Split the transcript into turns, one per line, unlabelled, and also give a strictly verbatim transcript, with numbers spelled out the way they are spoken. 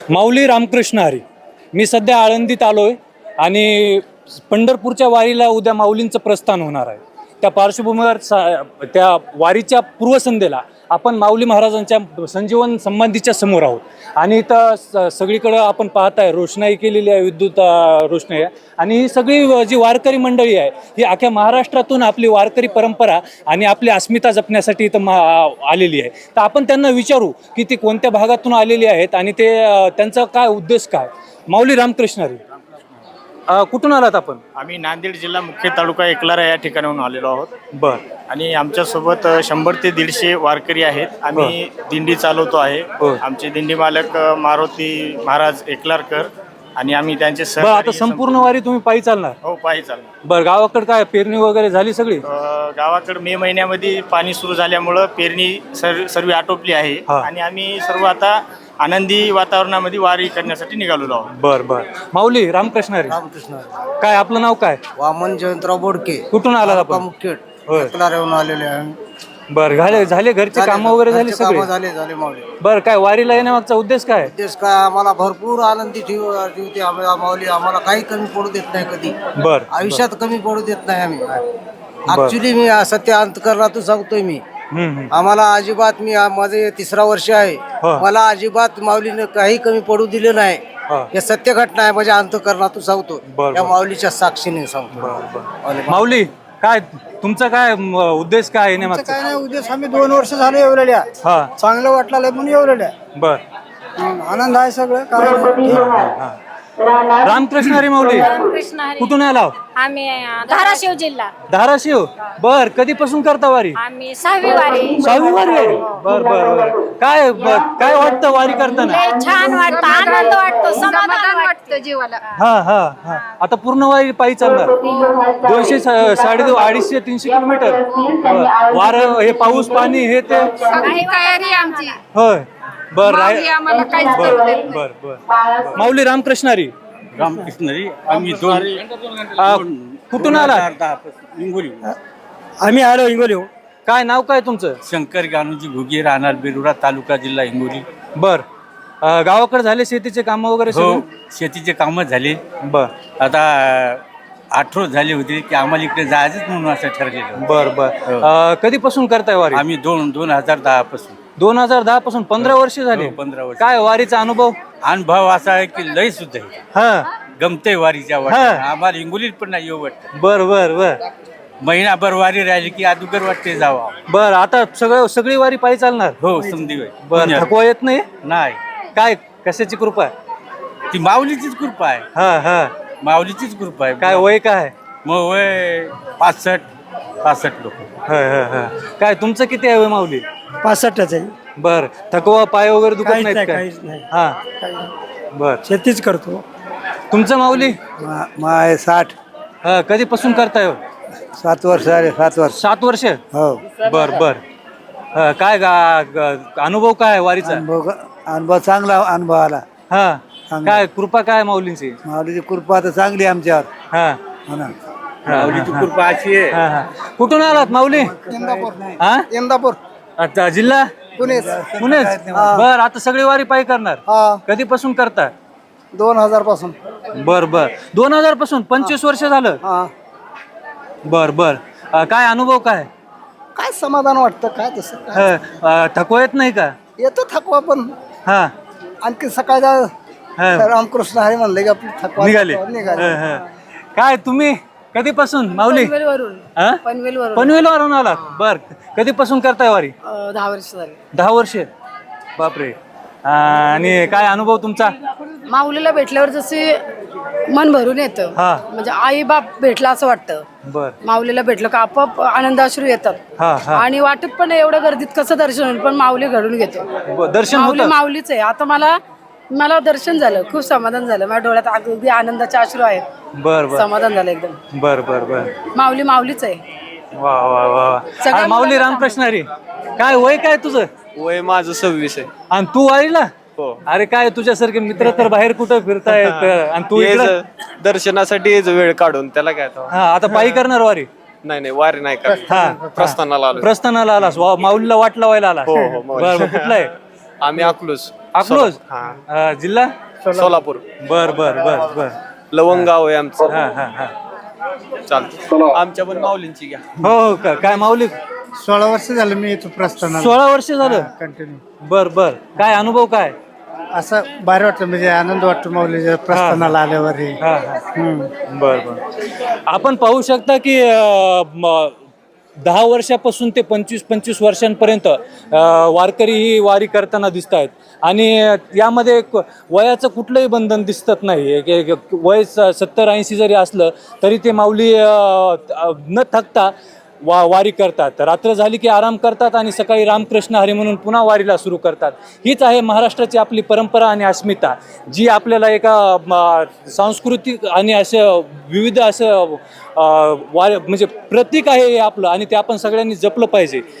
माऊली रामकृष्ण हरी. मी सध्या आळंदीत आलो आहे आणि पंढरपूरच्या वारीला उद्या माऊलींचं प्रस्थान होणार आहे. त्या पार्श्वभूमीवर सा त्या वारीच्या पूर्वसंध्येला आपण माऊली महाराजांच्या संजीवन समाधीच्या समोर आहोत आणि इथं स सगळीकडं आपण पाहताय रोषणाई केलेली आहे, विद्युत रोषणाई आहे. आणि ही सगळी जी वारकरी मंडळी आहे ही अख्ख्या महाराष्ट्रातून आपली वारकरी परंपरा आणि आपली अस्मिता जपण्यासाठी इथं मा आलेली आहे. तर आपण त्यांना विचारू की ती कोणत्या भागातून आलेली आहेत आणि ते त्यांचा काय उद्देश काय. माऊली रामकृष्ण हरी. कुठून आलात आपण?
आम्ही नांदेड जिल्हा मुख्य तालुका एकलारा या ठिकाणाहून आलेलो आहोत.
बर.
आणि आमच्यासोबत शंभर ते दीडशे वारकरी आहेत. आम्ही दिंडी चालवतो आहे. आमचे दिंडी मालक मारुती महाराज एकलारकर आणि आम्ही त्यांचे सर.
आता संपूर्ण वारी तुम्ही पायी चालणार?
हो, पायी चालणार.
बरं, गावाकडे काय पेरणी वगैरे झाली सगळी?
गावाकडे मे महिन्यामध्ये पाणी सुरू झाल्यामुळं पेरणी सर सर्व आटोपली आहे आणि आम्ही सर्व आता आनंदी वातावरणामध्ये वारी करण्यासाठी निघालेलो आहोत.
बर बर. माऊली रामकृष्ण हरी.
रामकृष्ण हरी.
काय आपलं नाव काय?
वामन जयंतराव बोडके.
कुठून आलात आपण?
मुखेड.
होय.
एकलाऱ्याहून आलेले आहे.
बर, झाले झाले घरचे काम वगैरे झाले
घरचे
सगळे?
कामं झाले झाले माऊली.
बर, काय वारीला येण्यामागचा उद्देश काय?
उद्देश काय, आम्हाला भरपूर आनंदी ठेव ठेवते आम्हाला माऊली. आम्हाला काही कमी पडू देत नाही कधी.
बर.
आयुष्यात कमी पडू देत नाही आम्ही. ऍक्च्युली मी सत्य अंतकरणातून सांगतोय मी. आम्हाला अजिबात, मी माझे तिसरा वर्ष आहे, मला अजिबात माऊलीने काही कमी पडू दिले नाही. हे सत्य घटना आहे, माझ्या अंतकरणातून सांगतो. या माऊलीच्या साक्षीने सांगतो.
माऊली, काय तुमचा काय उद्देश काय येण्यामागचा?
काय नाही उद्देश, आम्ही दोन वर्ष झाले येवलेल्या.
हा,
चांगलं वाटलं म्हणून येवलेल्या.
बर.
आनंद आहे सगळं. काय
रामकृष्ण हरी. माऊली
रामकृष्ण हरी.
कुठून आला?
आम्ही अं, धाराशिव जिल्हा.
धाराशिव. बर, कधीपासून करता वारी?
आम्ही सहावी वारी.
सहावी वारी आहे. बर बर बर. काय ब- काय वाटतं वारी करताना?
लय छान वाटतं, आनंद वाटतो, समाधान वाटतं जीवाला.
हा हा हा. आता पूर्ण वारी पायी चालणार? दोनशे साडे दो अडीचशे तीनशे किलोमीटर. बर. वार, हे पाऊस पाणी हे ते
काही तयारी आमची.
होय. बर.
माऊली आम्हाला काहीच
बर
करू देत नाही.
बर बर. माऊली रामकृष्ण हरी.
रामकृष्ण हरी. आम्ही दोन
आ, कुठून आला?
हिंगोली.
आम्ही आलो हिंगोली.
काय नाव काय तुमचं?
शंकर गानूजी घुगे, राहणार बेरुरा, तालुका जिल्हा हिंगोली.
बर. अ, गावाकडे झाले शेतीचे काम वगैरे
हो,
सगळे?
शेतीचे कामं झाले.
बर
आता आठवड झाले होते की आम्हाला इकडे जायचंच म्हणून असं ठरलेलं.
बर बर. अ, कधीपासून करताय वारी?
आम्ही दोन दोन हजार दहा पासून.
दोन हजार दहा पासून पंधरा वर्ष झाली.
हो, पंधरा वर्ष.
काय वारीचा अनुभव?
अनुभव असा आहे की लय सुद्धा आहे.
हा.
गमते वारीच्या
हा.
वाटत आम्हाला हिंगोलीत पण नाही येऊ वाटतं.
बर बर बर
महिनाभर वारी राहिली की अदुगर वाटते जावा.
बर. आता सगळं सगळी वारी पायी चालणार?
हो, समधी
बर. थकवा येत नाही?
नाही,
काय कशाची कृपा आहे?
ती माऊलीचीच कृपा आहे.
हा हा.
माऊलीचीच कृपा आहे.
काय वय काय?
मग वय पासष्ट पासष्ट लोक.
हा हा हा. काय तुमचं किती आहे वय माऊली?
पासष्टच आहे.
बर. थकवा पाय वगैरे दुखत
काहीच
नाहीत
नाही,
काय?
काहीच नाही.
हा. बर.
शेतीच करतो.
तुमचं माऊली?
माय साठ
हा. कधीपासून करताय हो?
सात वर्ष झाले. सात वर्ष.
सात वर्ष.
हो.
बर बर. हा, काय गा- ग- अनुभव काय आहे वारीचा?
अनुभव अनुभव चांगला अनुभव आला.
हा.
चांगला.
काय कृपा काय माऊलींची?
माऊलीची कृपा तर चांगली आमच्यावर.
हा.
हो ना.
माऊलीची कृपा अशी आहे.
हा हा. कुठून आलात माऊली? हा.
इंदापूर.
अच्छा, जिल्हा
पुणे.
पुणेच. बर. आता सगळी वारी पायी करणार?
हा,
कधीपासून करता?
दोन हजार पासून.
बर बर. दोन हजार पासून पंचवीस वर्ष झालं?
हा.
बर बर. अ, काय अनुभव काय?
काय समाधान वाटतं, काय तसं
अ,
काय.
अ, थकवा येत नाही का?
येतो थकवा, पण
हा
आणखी सकाळचा
हा.
रामकृष्ण हरी म्हणले की आपली थकवा
निघाले.
निघाले.
ह, ह. काय तुम्ही कधीपासून माऊली? हा? पनवेलवरून आलात? बर. कधीपासून करताय वारी?
दहा वर्ष झाले.
दहा वर्ष. बापरे. अ, आणि काय अनुभव तुमचा?
माऊलीला भेटल्यावर जसे मन भरून येतं,
हा.
म्हणजे आई बाप भेटला असं वाटतं.
बर.
माऊलीला भेटलं का आपोआप आनंदाश्रू येतात.
हा हा.
आणि वाटत पण एवढ्या गर्दीत कसं दर्शन होईल, पण माऊली घडून घेतो.
ब- दर्शन
माऊली
होतं?
माऊलीच आहे. आता मला मला दर्शन झालं, खूप समाधान झालं. माझ्या डोळ्यात अगदी आनंदाचे अश्रू आहेत.
बर बर
समाधान झालं एकदम.
बर बर बर.
माऊली माऊलीच आहे.
वा वा वा.
सगळ्या
अरे माऊली
मुलांना
रामकृष्ण हरी. काय वय काय तुझं?
वय माझं सव्वीस आहे.
आणि तू वारीला?
हो.
अरे काय तुझ्यासारखे मित्र तर बाहेर कुठं फिरतायत आणि तू इकडं?
यायचं दर्शनासाठी यायचं वेळ काढून त्याला काय तो.
हा. आता पायी करणार वारी?
नाही नाही वारी नाही का.
हा.
प्रस्थानाला आलो.
प्रस्थानाला आलास? वा- माऊलीला वाट लावायला आलास?
हो, हो, माऊली.
बर बर. कुठला आहे?
आम्ही अकलूज.
अकलोज
हा.
अं, जिल्हा
सोलापूर
बर बर बर बर
लवंगाव आहे आमचं.
हा हा हा
चालतं आमच्या पण माऊलींची घ्या.
हो हो का काय माऊली
सोळा वर्ष झालं मी इथं प्रस्थानाला
सोळा वर्ष झालं
कंटिन्यू
बर बर काय अनुभव काय
असं भारी वाटतं म्हणजे आनंद वाटतो माऊलीच्या प्रस्थानाला आल्यावर हे.
हा हा
हम्म.
बर बर आपण पाहू शकता की अं, म, दहा वर्षापासून ते पंचवीस पंचवीस वर्षांपर्यंत अं, वारकरी ही वारी करताना दिसत आहेत आणि यामध्ये एक वयाचं कुठलंही बंधन दिसत नाही एक- एक वय स- सत्तर ऐंशी जरी असलं तरी ते माऊली अं, न थकता वा वारी करतात. रात्र झाली की आराम करतात आणि सकाळी रामकृष्ण हरी म्हणून पुन्हा वारीला सुरू करतात. हीच आहे महाराष्ट्राची आपली परंपरा आणि अस्मिता, जी आपल्याला एका म, सांस्कृतिक आणि असं विविध असं अ, वार म्हणजे प्रतीक आहे हे आपलं आणि ते आपण सगळ्यांनी जपलं पाहिजे.